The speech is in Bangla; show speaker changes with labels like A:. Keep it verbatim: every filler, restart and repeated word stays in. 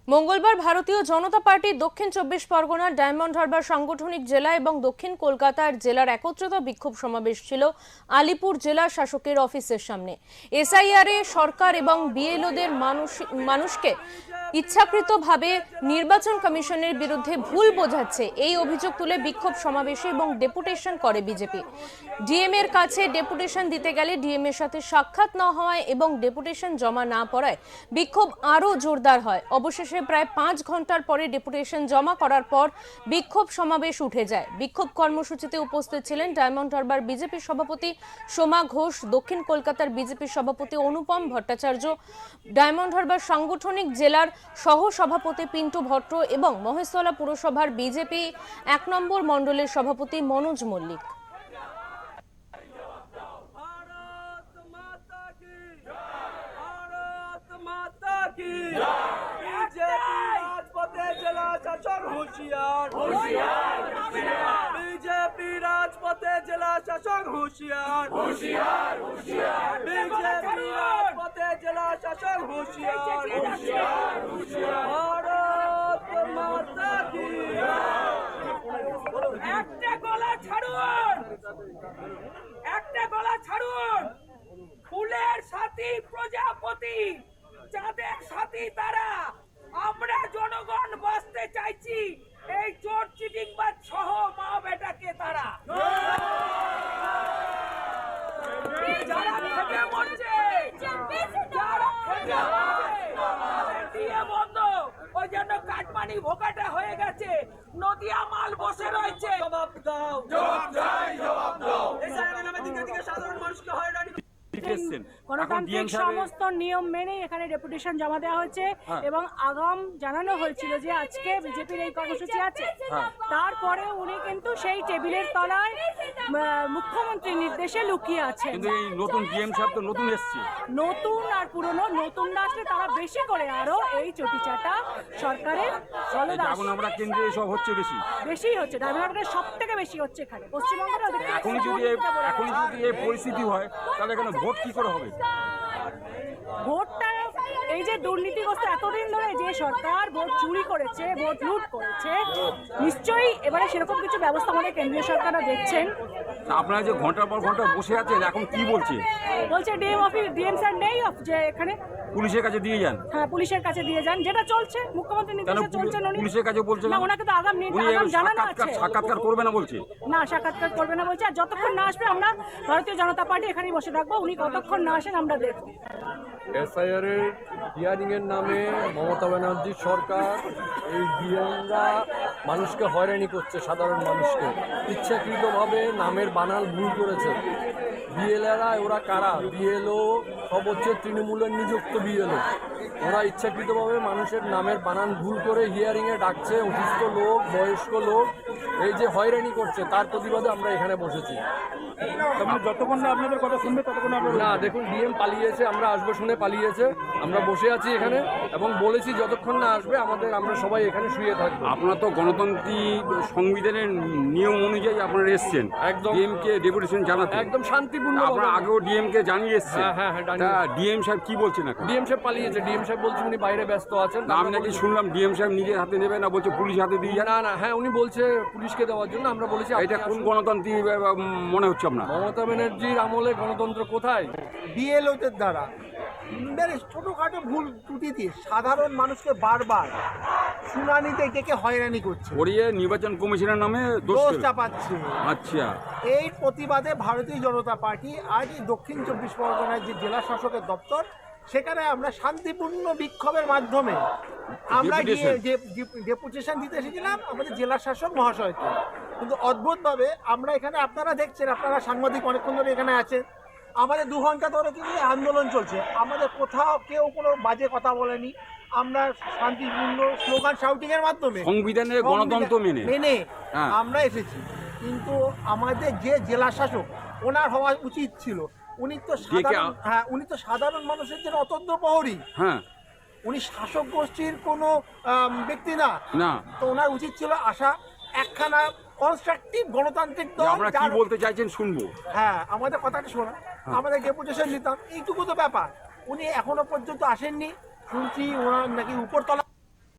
A: মঙ্গলবার ভারতীয় জনতা পার্টি দক্ষিণ চব্বিশ পরগনার ডায়মন্ড হারবার সাংগঠনিক জেলা এবং দক্ষিণ কলকাতার জেলার একত্রিত বিক্ষোভ সমাবেশ ছিল আলিপুর জেলা শাসকের অফিসের সামনে। এসআইআর এ সরকার এবং বিএলওদের মানুষ মানুষকে ইচ্ছাকৃতভাবে নির্বাচন কমিশনের বিরুদ্ধে ভুল বোঝাচ্ছে এই অভিযোগ তুলে বিক্ষোভ সমাবেশে এবং ডেপুটেশন করে বিজেপি। ডিএম এর কাছে ডেপুটেশন দিতে গেলে ডিএম এর সাথে সাক্ষাৎ না হওয়ায় এবং ডেপুটেশন জমা না পড়ায় বিক্ষোভ আরও জোরদার হয়। অবশেষে প্রায় পাঁচ ঘন্টার পরে ডেপুটেশন জমা করার পর বিক্ষোভ সমাবেশ উঠে যায়। বিক্ষোভ কর্মসূচিতে উপস্থিত ছিলেন ডায়মন্ড হারবার বিজেপি সভাপতি সোমা ঘোষ, দক্ষিণ কলকাতার বিজেপি সভাপতি অনুপম ভট্টাচার্য, ডায়মন্ড হারবার সাংগঠনিক জেলার সহ সভাপতি পিন্টু ভট্ট এবং মহেশতলা পুরসভার বিজেপি এক নম্বর মণ্ডলের সভাপতি মনোজ মল্লিক।
B: बीजेपी राजपथे जिला शासक होशियार होशियार होशियार बीजेपी राजपथे जिला शासक होशियार होशियार होशियार भारत माता की একটা গলা ছাড়ুন একটা গলা ছাড়ুন ফুলের সাথী প্রজাপতি চাঁদের সাথী তারা আমরা জনগণ বাঁচতে চাইছি এই চোর চিটিংবাজ সহ মা বেটাকে তারা যারা খেতে মরছে যারা খেতে দিয়ে বন্ধ ওই জন্য কাটমানি ভোকাটা হয়ে গেছে, নদিয়া মাল বসে রয়েছে। জবাব দাও, জবাব চাই, জবাব দাও। এসআইআর নামে দিকে দিকে সাধারণ মানুষকে হয়রানি
C: গণতান্ত্রিক সমস্ত নিয়ম মেনে এখানে ডেপুটেশন জমা দেওয়া হয়েছে এবং আগাম জানানো হয়েছিল যে আজকে বিজেপির এই কর্মসূচি আছে। তারপরে উনি কিন্তু সেই টেবিলের তলায় মুখ্যমন্ত্রীর নির্দেশে লুকিয়ে আছে।
D: কিন্তু এই নতুন ডিএম সাহেব তো নতুন এসেছে,
C: নতুন আর পুরনো নতুনরা আসলে তারা বেশি করে আরো এই চটিচাটা সরকারের
D: এখন আমরা কেন্দ্রে এসব হচ্ছে বেশি
C: বেশি হচ্ছে ডায়মন্ড সব থেকে বেশি হচ্ছে এখানে পশ্চিমবঙ্গের।
D: এখনই যদি এখনই যদি এই পরিস্থিতি হয় তাহলে এখানে ভোট কি করে হবে?
C: ভোটটা এই যে দুর্নীতিগ্রস্ত এতদিন ধরে যে সরকার ভোট চুরি করেছে, ভোট লুট করেছে, নিশ্চয়ই এবারে সেরকম কিছু ব্যবস্থা আমাদের কেন্দ্রীয় সরকাররা দেখছেন।
D: আপনারা যে ঘন্টার পর ঘন্টা বসে আছেন এখন কি বলছে?
C: বলছে ডিএম অফিস ডিএম স্যার নেই অফ যে এখানে
D: পুলিশের কাছে দিয়ে যান।
C: হ্যাঁ পুলিশের কাছে দিয়ে যান, যেটা চলছে মুখ্যমন্ত্রী নির্দেশে চলছে।
D: পুলিশের কাছে বলছে
C: না, ওনাকে তো আগাম আগাম জানানো আছে
D: সাক্ষাৎকার করবে না বলছে।
C: না, সাক্ষাৎকার করবে না বলছে। আর যতক্ষণ না আসবে আমরা ভারতীয় জনতা পার্টি এখানেই বসে থাকবো, উনি কতক্ষণ না আসেন আমরা দেখব।
E: এসআইআর এর হিয়ারিং এর নামে মমতা ব্যানার্জির সরকার এই ডিএমরা মানুষকে হয়রানি করছে, সাধারণ মানুষকে ইচ্ছাকৃতভাবে নামের বানাল ভুল করেছে। বিএলএরা ওরা কারা? বিএলও সব হচ্ছে তৃণমূলের নিযুক্ত বিএলও। ওরা ইচ্ছাকৃতভাবে মানুষের নামের বানান ভুল করে হিয়ারিংয়ে ডাকছে অসুস্থ লোক, বয়স্ক লোক, এই যে হয়রানি করছে তার প্রতিবাদে আমরা এখানে বসেছি।
D: যতক্ষণ না আপনাদের কথা শুনবে ততক্ষণ
E: না, দেখুন ডিএম পালিয়েছে, আমরা আসবো শুনে পালিয়েছে, আমরা বসে আছি এখানে এবং বলেছি যতক্ষণ না আসবে আমাদের আমরা সবাই এখানে শুয়ে থাকবো।
D: আপনারা তো গণতান্ত্রিক সংবিধানের নিয়ম অনুযায়ী আপনারা এসছেন
E: একদম
D: ডিএমকে ডেপুটেশন জানাতে,
E: একদম শান্তিপূর্ণ।
D: আপনারা আগেও ডিএমকে জানিয়ে এসছেন।
E: হ্যাঁ হ্যাঁ
D: ডিএম সাহেব কি বলছেন এখন?
E: ডিএম সাহেব পালিয়েছে, ডিএম সাহেব বলছে উনি বাইরে ব্যস্ত আছেন।
D: আমি নাকি শুনলাম ডিএম সাহেব নিজের হাতে নেবে না, বলছে পুলিশ হাতে দিয়ে যান।
E: না না, হ্যাঁ উনি বলছে পুলিশকে দেওয়ার জন্য। আমরা বলেছি
D: এটা কোন গণতান্ত্রিক মনে হচ্ছে আপনার?
E: মমতা ব্যানার্জির আমলে গণতন্ত্র কোথায়?
F: বিএলওদের দ্বারা বেশ ছোটখাটো ভুল ত্রুটি দিয়ে সাধারণ মানুষকে বারবার শুনানিতে ডেকে হয়রানি করছে,
D: ওরিয়ে নির্বাচন কমিশনের নামে
F: দোষ চাপাচ্ছে।
D: আচ্ছা,
F: এই প্রতিবাদে ভারতীয় জনতা পার্টি আজ দক্ষিণ চব্বিশ পরগনার যে জেলা শাসকের দপ্তর সেখানে আমরা শান্তিপূর্ণ বিক্ষোভের মাধ্যমে আমরা গিয়ে যে ডেপুটেশন দিতে এসেছিলাম আমাদের জেলা শাসক মহাশয়কে। কিন্তু অদ্ভুতভাবে আমরা এখানে, আপনারা দেখছেন, আপনারা সাংবাদিক অনেকক্ষণ ধরে এখানে আছেন, আমাদের দু ঘন্টা ধরে কিন্তু আন্দোলন চলছে, আমাদের কোথাও কেউ কোনো বাজে কথা বলেনি। আমরা শান্তিপূর্ণ স্লোগান শাউটিং এর মাধ্যমে
D: সংবিধানের গণতন্ত্র মেনে
F: মেনে আমরা এসেছি। কিন্তু আমাদের যে জেলা শাসক ওনার হওয়া উচিত ছিল, উনি তো সাধারণ হ্যাঁ উনি তো সাধারণ মানুষের জন্য অতন্ত্র প্রহরী।
D: হ্যাঁ,
F: উনি শাসক গোষ্ঠীর কোনো ব্যক্তি না
D: না,
F: তো ওনার উচিত ছিল আসা একখানা কনস্ট্রাকটিভ গণতান্ত্রিক দল।
D: আমরা কি বলতে চাইছেন শুনবো।
F: হ্যাঁ, আমাদের কথাটা শোনা, আমাদের ডেপুটেশন নিতাম, এইটুকু তো ব্যাপার। উনি এখনো পর্যন্ত আসেননি, শুনছি ওনার নাকি উপরতলা